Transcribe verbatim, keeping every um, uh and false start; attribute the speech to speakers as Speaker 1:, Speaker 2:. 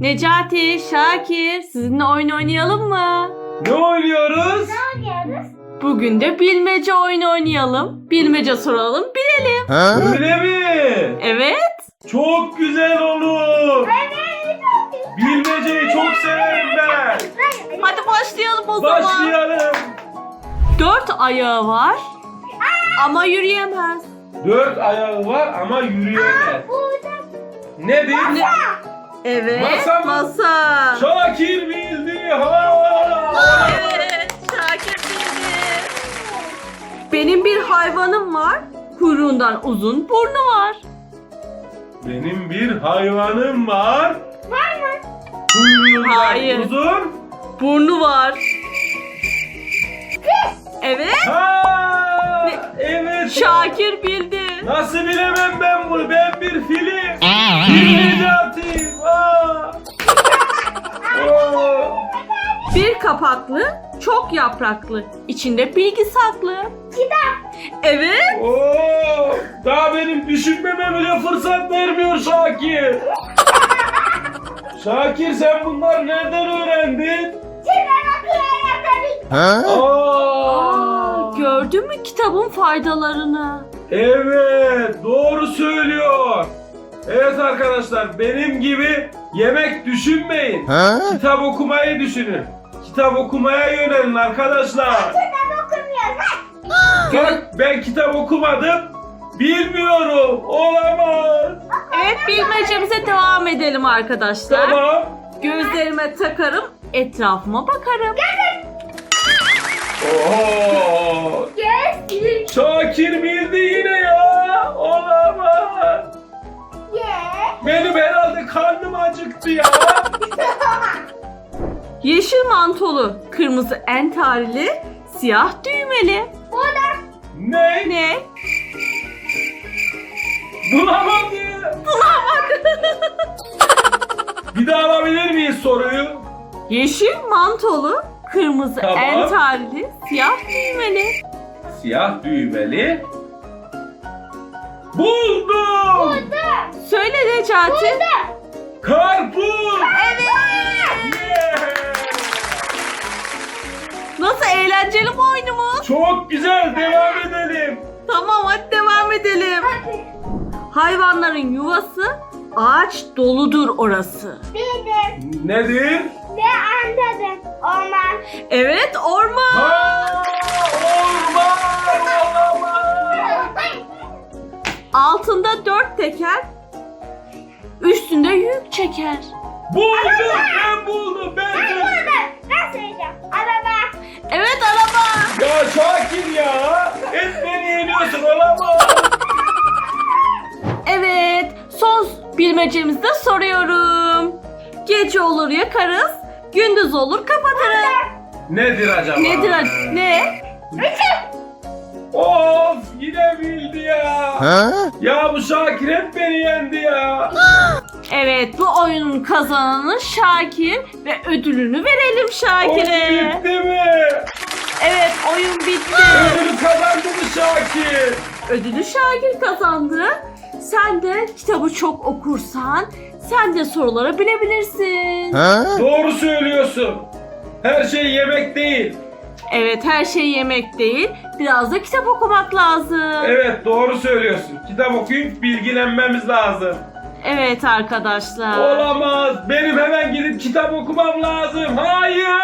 Speaker 1: Necati, Şakir, sizinle oyun oynayalım mı?
Speaker 2: Ne oynuyoruz?
Speaker 3: Ne oynuyoruz?
Speaker 1: Bugün de bilmece oyunu oynayalım. Bilmece soralım, bilelim.
Speaker 2: Öyle mi?
Speaker 1: Evet.
Speaker 2: Çok güzel olur. Bilmeceyi çok severim ben.
Speaker 1: Hadi başlayalım o zaman.
Speaker 2: Başlayalım.
Speaker 1: Dört ayağı var ama yürüyemez.
Speaker 2: Dört ayağı var ama yürüyemez.
Speaker 3: Burada
Speaker 2: Nedir?
Speaker 1: Ne? Evet.
Speaker 2: Masa mı?
Speaker 1: Masa.
Speaker 2: Şakir bildi. Ha!
Speaker 1: Evet. Şakir bildi. Benim bir hayvanım var. Kuyruğundan uzun burnu var.
Speaker 2: Benim bir hayvanım var.
Speaker 3: var mı?
Speaker 2: Kuyruğundan
Speaker 1: Hayır.
Speaker 2: uzun.
Speaker 1: Burnu var. Evet.
Speaker 2: Ha!
Speaker 1: Ne?
Speaker 2: Evet.
Speaker 1: Şakir bildi.
Speaker 2: Nasıl bilemem ben bunu? Ben bir film. Bir Necati. Aa! Oo!
Speaker 1: Bir kapaklı, çok yapraklı. İçinde bilgi saklı.
Speaker 3: Kitap.
Speaker 1: Evet.
Speaker 2: Oo! Daha benim düşünmeme bile fırsat vermiyor Şakir. Şakir sen bunları nereden öğrendin?
Speaker 3: Şimdi bakıyorum tabii.
Speaker 2: Aa!
Speaker 1: Gördün mü kitabın faydalarını?
Speaker 2: Evet, doğru söylüyor. Evet arkadaşlar, benim gibi yemek düşünmeyin. Kitap okumayı düşünün. Kitap okumaya yönelin arkadaşlar.
Speaker 3: Kitap okumuyoruz.
Speaker 2: Bak ben kitap okumadım. Bilmiyorum. Olamaz.
Speaker 1: Evet, bilmecemize devam edelim arkadaşlar.
Speaker 2: Tamam.
Speaker 1: Gözlerime takarım, etrafıma bakarım.
Speaker 2: Oo.
Speaker 3: Gözlük.
Speaker 2: Şakir bildi yine ya. Olamaz.
Speaker 3: Ye.
Speaker 2: Benim herhalde karnım acıktı ya.
Speaker 1: Yeşil mantolu, kırmızı entarili, siyah düğmeli.
Speaker 3: Burada.
Speaker 2: Ne?
Speaker 1: Ne?
Speaker 2: Bulamadı. Bir daha alabilir miyiz soruyu?
Speaker 1: Yeşil mantolu, kırmızı
Speaker 2: Tamam.
Speaker 1: entarili, siyah düğmeli.
Speaker 2: Siyah düğmeli. Buldum.
Speaker 3: Burada.
Speaker 1: Söyle Necati.
Speaker 3: Burada.
Speaker 2: Karpuz.
Speaker 1: Evet.
Speaker 2: Yeah.
Speaker 1: Nasıl, eğlenceli mi oyunumuz?
Speaker 2: Çok güzel. Devam edelim.
Speaker 1: Tamam, hadi devam edelim.
Speaker 3: Hadi.
Speaker 1: Hayvanların yuvası, ağaç doludur orası.
Speaker 3: Bildim.
Speaker 2: Nedir?
Speaker 3: Ve anladım. Orman.
Speaker 1: Evet, orman.
Speaker 2: Ha, orman. Olamaz.
Speaker 1: Altında dört teker, üstünde yük çeker.
Speaker 2: Buldum. Ben buldum. Ben
Speaker 3: Ben
Speaker 2: buldum.
Speaker 3: burada. Ben söyleyeceğim. Araba.
Speaker 1: Evet, araba.
Speaker 2: Ya Şakir ya. Hep beni yeniyorsun. Olamaz.
Speaker 1: Evet, son bilmecemizde soruyorum. Gece olur yakarız, gündüz olur kapatırız.
Speaker 2: Nedir acaba?
Speaker 1: Nedir ac- ne?
Speaker 2: Of yine bildi ya. Ya bu Şakir hep beni yendi ya.
Speaker 1: Evet, bu oyunun kazananı Şakir ve ödülünü verelim
Speaker 2: Oyun
Speaker 1: Şakir'e.
Speaker 2: bitti mi?
Speaker 1: Evet, oyun bitti.
Speaker 2: Ödülü kazandı mı Şakir?
Speaker 1: Ödülü Şakir kazandı. Sen de kitabı çok okursan sen de soruları bilebilirsin.
Speaker 2: Doğru söylüyorsun. Her şey yemek değil.
Speaker 1: Evet, her şey yemek değil. Biraz da kitap okumak lazım.
Speaker 2: Evet doğru söylüyorsun. Kitap okuyup bilgilenmemiz lazım.
Speaker 1: Evet arkadaşlar.
Speaker 2: Olamaz. Benim hemen gidip kitap okumam lazım. Hayır.